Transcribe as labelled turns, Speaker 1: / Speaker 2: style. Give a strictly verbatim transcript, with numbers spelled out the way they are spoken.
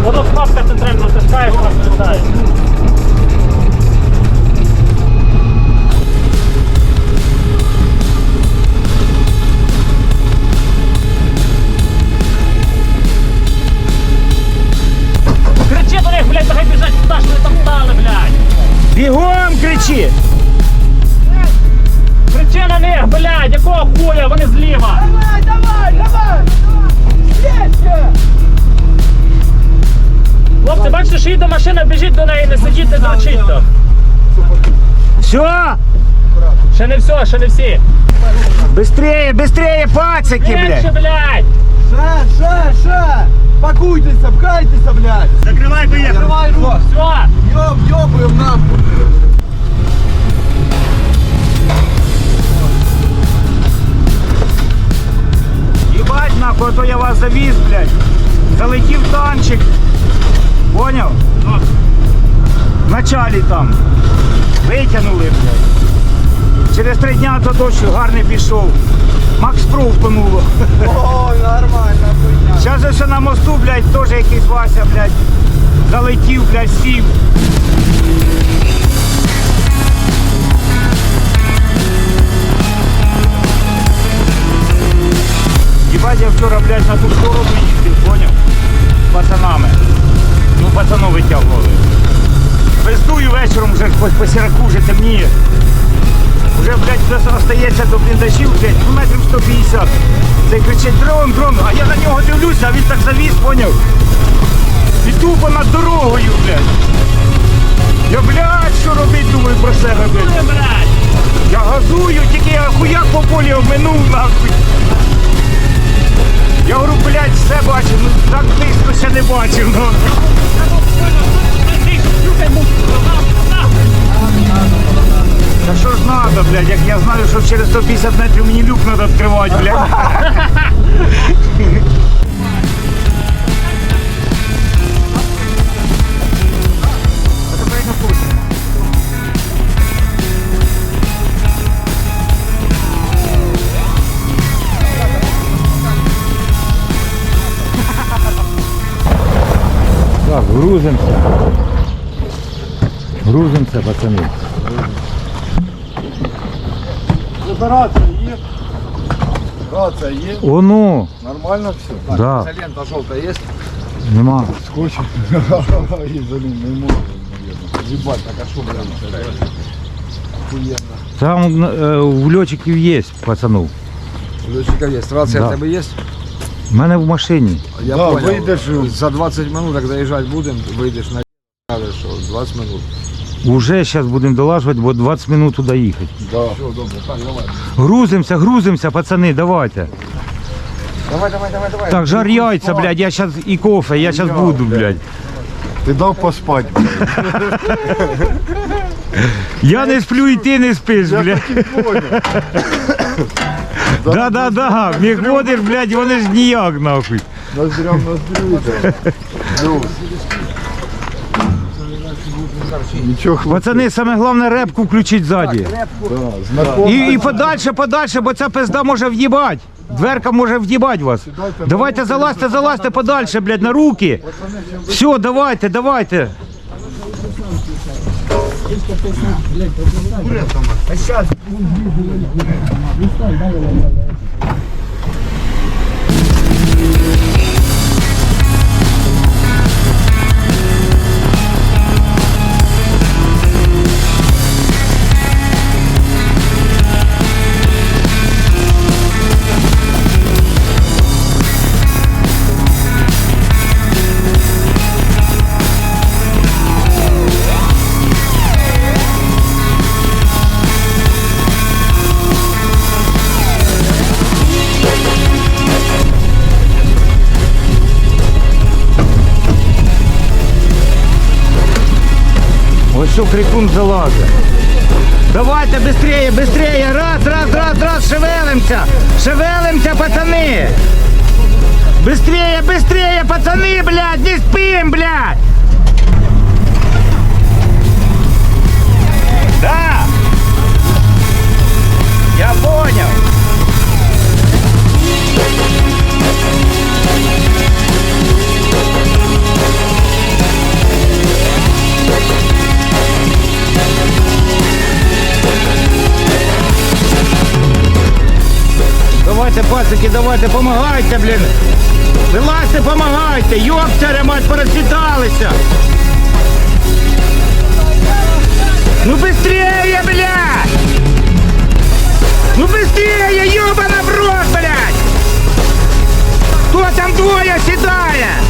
Speaker 1: Воно кнопка центральна, натискаєш, розповідає. Кричи до них, блядь, нехай біжать сюди, що вони там стали, блядь.
Speaker 2: Бігом кричи!
Speaker 1: Кричи на них, блядь, якого хуя, вони зліва.
Speaker 3: Давай, давай, давай! Есть!
Speaker 1: Хлопці, бачите, що їде машина, біжіть до неї, не сидіть, не дрочіть там.
Speaker 2: Все!
Speaker 1: Ще не все, ще не всі.
Speaker 2: Быстрее, быстрее, пацики,
Speaker 1: Менше,
Speaker 2: блядь!
Speaker 1: блядь.
Speaker 3: Ша, ша, ша! Пакуйтесь, пхайтесь, блядь!
Speaker 2: Закривай, поїхали!
Speaker 3: Закрывай рот!
Speaker 1: Все.
Speaker 3: Ёб, ёбаем нахуй!
Speaker 2: Ебать нахуй, а то я вас завіз, блядь. Залетів танчик. Поняв? В началі там. Витягнули, блядь. Через три дня то дощ гарний пішов. Макс Про втонуло.
Speaker 3: Ой, нормально, хуйня!
Speaker 2: Зараз же ще на мосту, блядь, теж якийсь Вася, блядь. Залетів, блядь, сів. Ебать, я вчора, блядь, на ту сторону їздив, поняв? З пацанами. Ну, пацану витягували. Пиздую вечором вже по, по сіраку вже темніє. Вже, блядь, десь остається до бліндажів, блядь, ну метрів сто п'ятдесят. Цей кричить дрон, дрон, а я на нього дивлюся, а він так завіз, поняв? І тупо над дорогою, блядь. Я, блядь, що робить, думаю про себе, блядь.
Speaker 1: Блядь.
Speaker 2: Я газую, тільки я хуяк по полі обминув, нахуй. Я говорю, блядь, все бачив, ну так близько ще не бачив, ну. Та що ж надо, блядь, як я знаю, що через сто п'ятдесят метрів мені люк треба відкривати, блядь. Так, грузимся. Грузимся, пацаны.
Speaker 3: Рация есть? Рация есть?
Speaker 2: О, ну,
Speaker 3: Нормально все?
Speaker 2: да,
Speaker 3: Изолента желтая есть?
Speaker 2: нема.
Speaker 3: Скотч? Изолент не может, наверное. Ебать, так а шо, блядь? Охуенно.
Speaker 2: Там е, в льотчиків є, пацанов.
Speaker 3: У летчика есть. Рация
Speaker 2: Да.
Speaker 3: у тебя есть?
Speaker 2: У мене в машині.
Speaker 3: Я
Speaker 4: Да,
Speaker 3: понял.
Speaker 4: выйдешь.
Speaker 3: За двадцать минут, как заезжать будем, выйдешь на что, двадцать минут.
Speaker 2: Уже зараз будемо долажувати, бо двадцять минут туди їхати.
Speaker 4: Да.
Speaker 3: Все, добре, так, давай.
Speaker 2: Грузимося, грузимося, пацани, давайте.
Speaker 3: Давай, давай, давай, давай.
Speaker 2: Так, жар яйця, блядь, я зараз і кофе, я зараз буду, блядь.
Speaker 4: Ты дал поспать, блядь.
Speaker 2: Я не сплю і ти не спиш, блядь.
Speaker 4: Понял.
Speaker 2: Да-да-да, міг блядь, вони ж ніяк, нахуй.
Speaker 4: Ноздрям ноздрю, да. Плюс. Ничего,
Speaker 2: Пацани, саме головне репку включить ззаді.
Speaker 4: да, знакомый.
Speaker 2: І, і подальше, подальше, бо ця пизда може в'їбать. Дверка може в'їбать вас. Давайте залазьте, залазьте подальше, блядь, на руки. Все, давайте, давайте. Ось що крикун залазить. Давайте быстрее, быстрее. Раз, раз, раз, раз, шевелимся. Шевелимся, пацаны. Быстрее, быстрее, пацаны, блядь, не спим, блядь. Да. Я понял. пацики, давайте, помагайте, блін. Вилазьте, помагайте, йопцаря, мать, порозсідалися. Ну быстрее, блядь! Ну быстрее, ёбана в рот, блядь! Кто там двое сідає?